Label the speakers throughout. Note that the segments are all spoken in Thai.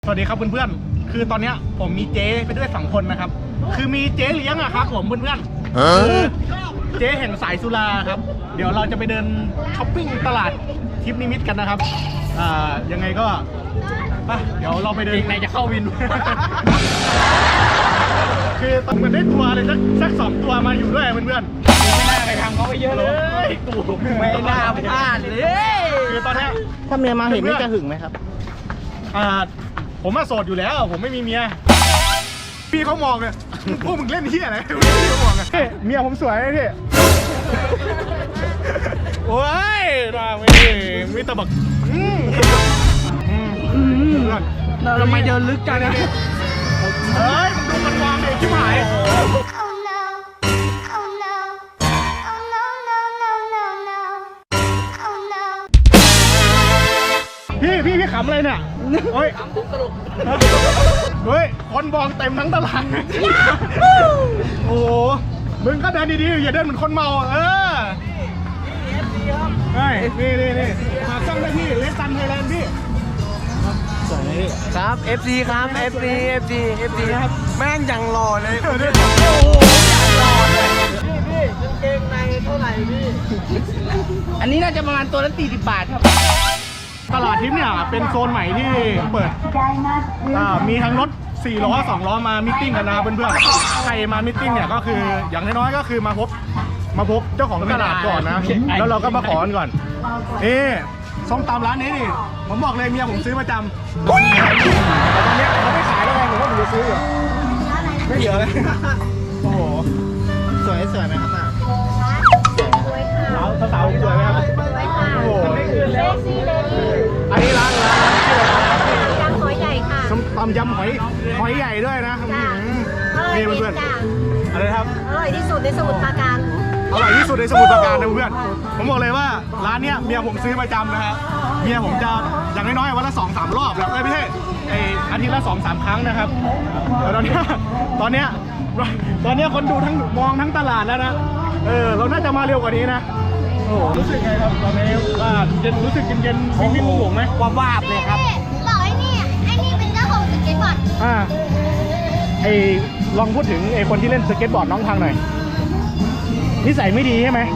Speaker 1: สวัสดีครับเพื่อนๆคือตอนเนี้ยผมมีเจ๊ไปด้วย2คนนะครับคือมีเจ๊เลี้ยงอะครับผมเพื่อนๆคือเจ๊แห่งสายสุราครับเดี๋ยวเราจะไปเดินช้อปปิ้งตลาดทิพย์นิมิตกันนะครับยังไงก็ไปเดี๋ยวเราไปเดินในจะเข้าวิน คือต้องมันได้ตัวอะไรสัก2ตัวมาอยู่ด้วยเพื่อนๆไม่น่าไปทำเขาไปเยอะเลยกูไม่น่าพลาดเลยคือตอนเนี้ยถ้าเมียมาเห็นนี่จะหึงไหมครับผมมาโสดอยู่แล้วผมไม่มีเมียพี่เขามองเลยพวกมึงเล่นเฮี้ยอะไรพี่เขามองเลยเมียผมสวยพี่โอ้ยน่าไม่ตะบักเราทำไมเดินลึกจังเนี่ยเฮ้ยมึงดูมันวางเลยชิบหายพี่ขำอะไรเนี่ยเฮ้ยขำปุ๊บสรุปเฮ้ยคนมองเต็มทั้งตลาดโอ้โหมึงก็เดินดีๆอย่าเดินเหมือนคนเมาเฮ้ยนี่หาจ้องได้พี่เลสซันไทยแลนด์พี่สวยนี่ครับ FC ครับ FC ครับแม่งยังหล่อเลยโอ้โหยังหล่อเลยพี่กางเกงในเท่าไหร่พี่อันนี้น่าจะประมาณตัวละ40 บาทครับตลาดทิพย์เนี่ยเป็นโซนใหม่ที่เปิดมีทั้งรถ4 ล้อ 2 ล้อมามิทติ้งกันนะเพื่อนๆใครมามิทติ้งเนี่ยก็คืออย่างน้อยๆก็คือมาพบเจ้าของตลาดก่อนนะแล้วเราก็มาขอกันก่อนส้มตำร้านนี้นี่ผมบอกเลยเมียผมซื้อประจำแต่ตอนนี้เขาไม่ขายแล้วไงผมว่าผมจะซื้ออยู่ไม่เยอะเลยโอ้โหสวยไหมครับน่ะสาวสวยไหมครับโอ้โหอันนี้ร้านชื่ออะไรยำหอยใหญ่ค่ะตำยำหอยใหญ่ด้วยนะนี่เพื่อนๆอะไรครับอร่อยที่สุดในสมุทรปราการนะเพื่อนผมบอกเลยว่าร้านเนี้ยเมียผมซื้อประจำนะฮะเมียผมจะอย่างน้อยๆวันละ 2-3 รอบแล้วไม่ใช่อาทิตย์ละ 2-3 ครั้งนะครับตอนเนี้ยคนดูมองทั้งตลาดแล้วนะเราน่าจะมาเร็วกว่านี้นะโอ้รู้สึกไงครับตอนนี้ว่ารู้สึกเย็นวิ่งหวงไหมวาบเลยครับบอกไอ้นี่เป็นเจ้าของสเก็ตบอร์ดลองพูดถึงคนที่เล่นสเก็ตบอร์ดน้องทางหน่อยนิสัยไม่ดีใช่ไหม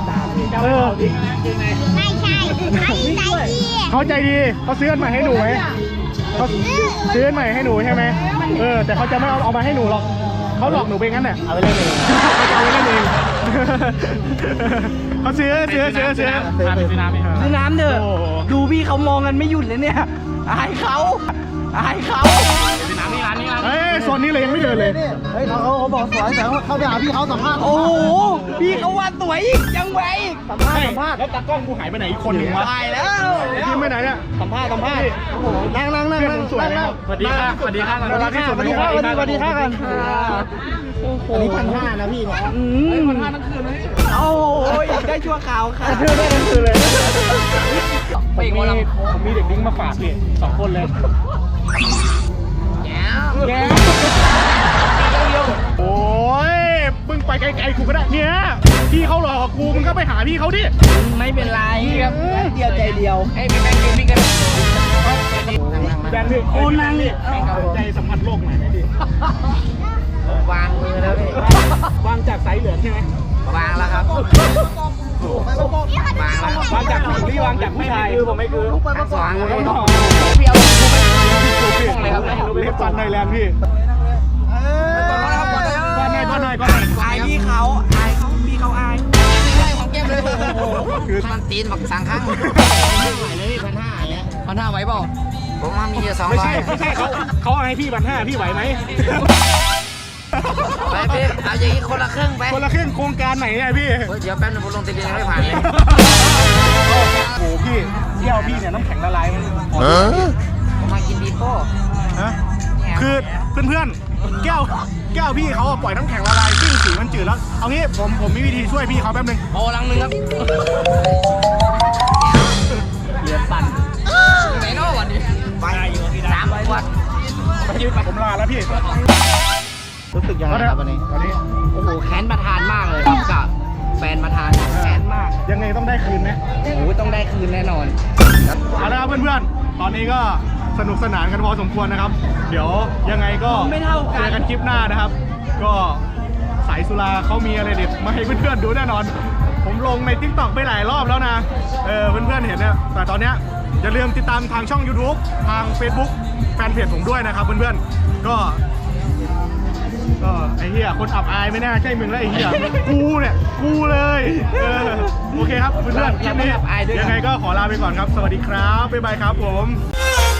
Speaker 1: ไม่ใช่เขาใจดีเขาซื้ออันใหม่ให้หนูไหมเขาซื้ออันใหม่ให้หนูใช่ไหมแต่เขาจะไม่เอามาให้หนูหรอกเขาหลอกหนูไปงั้นน่ะเอาไปเล่นเองเขาซื้อน้ำเถอะดูพี่เขามองกันไม่หยุดเลยเนี่ยอายเขาน้ำนี่ร้านนี้โซนนี้เลยยังไม่เดินเลยเฮ้ยเขาบอกสวยแต่เขาไปหาพี่เขาสัมภาษณ์โอ้โหพี่เขาว่าสวยอีกยังไงสัมภาษณ์แล้วตากล้องกูหายไปไหนอีกคนหนึ่งวะตายแล้วพี่ไปไหนเนี่ยสัมภาษณ์โอ้โหนั่งสวยแล้วสวัสดีค่ะกันอันนี้1,500นะพี่เนี่ย1,500ทั้งคืนเลยโอ้ยได้ชั่วคราวค่ะได้ทั้งคืนเลยผมมีเด็กดิ้งมาฝากพี่2 คนเลยแง่โอ้ยมึงไปไกลๆกูก็ได้เนี่ยพี่เขาหลอกกูมึงก็ไปหาพี่เขาดิไม่เป็นไรครับเดียวใจเดียวไอ้พี่แบงค์พี่กันแบงค์พี่โอ้นั่งนี่ใจสัมผัสโลกไหนพี่วางมือแล้วพี่วางจากสายเหลืองใช่ไหมวางแล้วครับวางจากผู้หญิงหรือวางจากผู้ชายคือผมไม่คือทั้งสองเลยพี่เอาเลยครับเล็บฟันไทยแลนด์พี่ก้อนหน่อยอายพี่เขาพี่เขาอายของแก้มเลยคือมันตีนบักสังข้างไม่ไหวเลยพี่1,500เนี่ย1,500ไหวเปล่าผมว่ามี200ไม่ใช่เขาให้พี่1,500พี่ไหวไหมไปพี่เอาอย่างนี้คนละครึ่งไปคนละครึ่งโครงการไหนเนี่ยพี่เดี๋ยวแป๊บนึงผมลงทะเบียนไม่ผ่านเลยโอ้โหพี่เที่ยวพี่เนี่ยน้ำแข็งละลายมันผมมากินบีโป้คือเพื่อนๆแก้วพี่เขาปล่อยน้ำแข็งละลายซึ่งสีมันจืดแล้วเอางี้ผมมีวิธีช่วยพี่เขาแป๊บนึงโอ้ลังนึงครับเรือปั่นไหนนอกวันนี้ไป3 วันผมลาแล้วพี่รู้สึกยังไงครับวันนี้โอ้โหแค้นประธานมากเลยกับแฟนประธานแค้นมากยังไงต้องได้คืนไหมโอ้โหต้องได้คืนแน่นอนเอาละครับเพื่อนๆตอนนี้ก็
Speaker 2: สนุกสนานกันพอสมควรนะครับ เดี๋ยวยังไงก็เจอกันคลิปหน้านะครับ ก็สายสุราเขามีอะไรเด็ดมาให้เพื่อนๆดูแน่นอน ผมลงใน TikTok ไปหลายรอบแล้วนะเพื่อนๆเห็นเนี่ยแต่ตอนเนี้ยอย่าลืมติดตามทางช่อง YouTube ทาง Facebook แฟนเพจผมด้วยนะครับเพื่อนๆก็ไอ้เหี้ยคนอับอายไม่น่าใช่มึงแล้วไอ้เหี้ยกูเลยโอเคครับเพื่อนๆคลิปนี้ยังไงก็ขอลาไปก่อนครับสวัสดีครับบ๊ายบายครับผม